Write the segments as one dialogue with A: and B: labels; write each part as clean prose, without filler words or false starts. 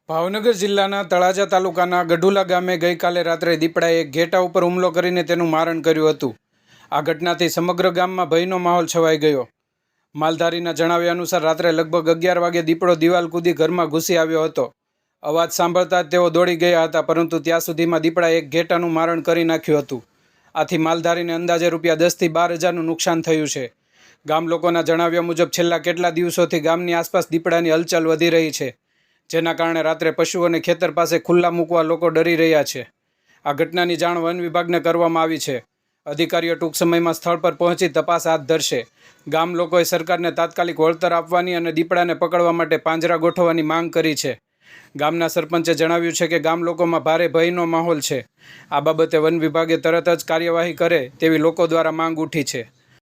A: ભાવનગર જિલ્લાના તળાજા તાલુકાના ગઢુલા ગામે ગઈકાલે રાત્રે દીપડાએ ઘેટા ઉપર હુમલો કરીને તેનું મારણ કર્યું હતું. આ ઘટનાથી સમગ્ર ગામમાં ભયનો માહોલ છવાઈ ગયો. માલધારીના જણાવ્યા અનુસાર રાત્રે લગભગ 11 વાગે દીપડો દિવાલ કૂદી ઘરમાં ઘૂસી આવ્યો હતો. અવાજ સાંભળતા જ તેઓ દોડી ગયા હતા, પરંતુ ત્યાં સુધીમાં દીપડાએ એક ઘેટાનું મારણ કરી નાખ્યું હતું. આથી માલધારીને અંદાજે ₹10,000 થી 12,000નું નુકસાન થયું છે. ગામ લોકોના જણાવ્યા મુજબ છેલ્લા કેટલા દિવસોથી ગામની આસપાસ દીપડાની હલચલ વધી રહી છે, જેના કારણે રાત્રે પશુઓને ખેતર પાસે ખુલ્લા મૂકવા લોકો ડરી રહ્યા છે. આ ઘટનાની જાણ વન વિભાગને કરવામાં આવી છે. અધિકારીઓ ટૂંક સમયમાં સ્થળ પર પહોંચી તપાસ હાથ ધરશે. ગામ લોકોએ સરકારને તાત્કાલિક વળતર આપવાની અને દીપડાને પકડવા માટે પાંજરા ગોઠવવાની માંગ કરી છે. ગામના સરપંચે જણાવ્યું છે કે ગામ લોકોમાં ભારે ભયનો માહોલ છે. આ બાબતે વન વિભાગે તરત જ કાર્યવાહી કરે તેવી લોકો દ્વારા માંગ ઉઠી છે.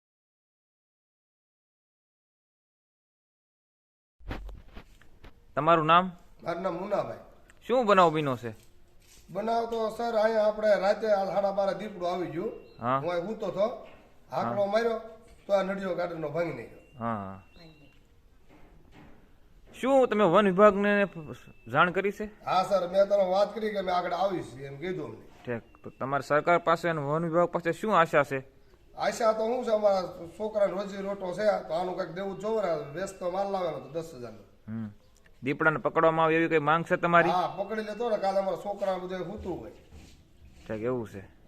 B: તમારું નામ?
C: મારું નામ મુનાભાઈ.
B: શું બનાવ બન્યો છે?
C: બનાવ તો સર અહીંયા આપણે રાતે 12:30 દીપડો આવી ગયું. હું અહીં ઊતો હતો, હાકડો માર્યો તો આ નડિયો ગાર્ડનનો ભાંગી નાખ્યો.
B: હા, શું તમે વન વિભાગને જાણ કરી છે?
C: હા સર, મેં તને વાત કરી કે મેં આગળ આવીશ એમ કીધું અમને.
B: ઠીક, તો તમારી સરકાર પાસે અને વન વિભાગ પાસે શું આશા છે?
C: આશા તો શું છે, અમારા છોકરાને રોજી રોટો છે તો આનું કંઈક દેવું જ જોવે ને. વેસ્ટ તો માલ લાવેલો તો 10,000નો.
B: દીપડાને પકડવામાં આવે એવી કઈ માંગ છે તમારી?
C: હા, પકડી લેતો ને, કાલે અમારા છોકરા બધું સૂતું હોય.
B: ઠીક, એવું છે.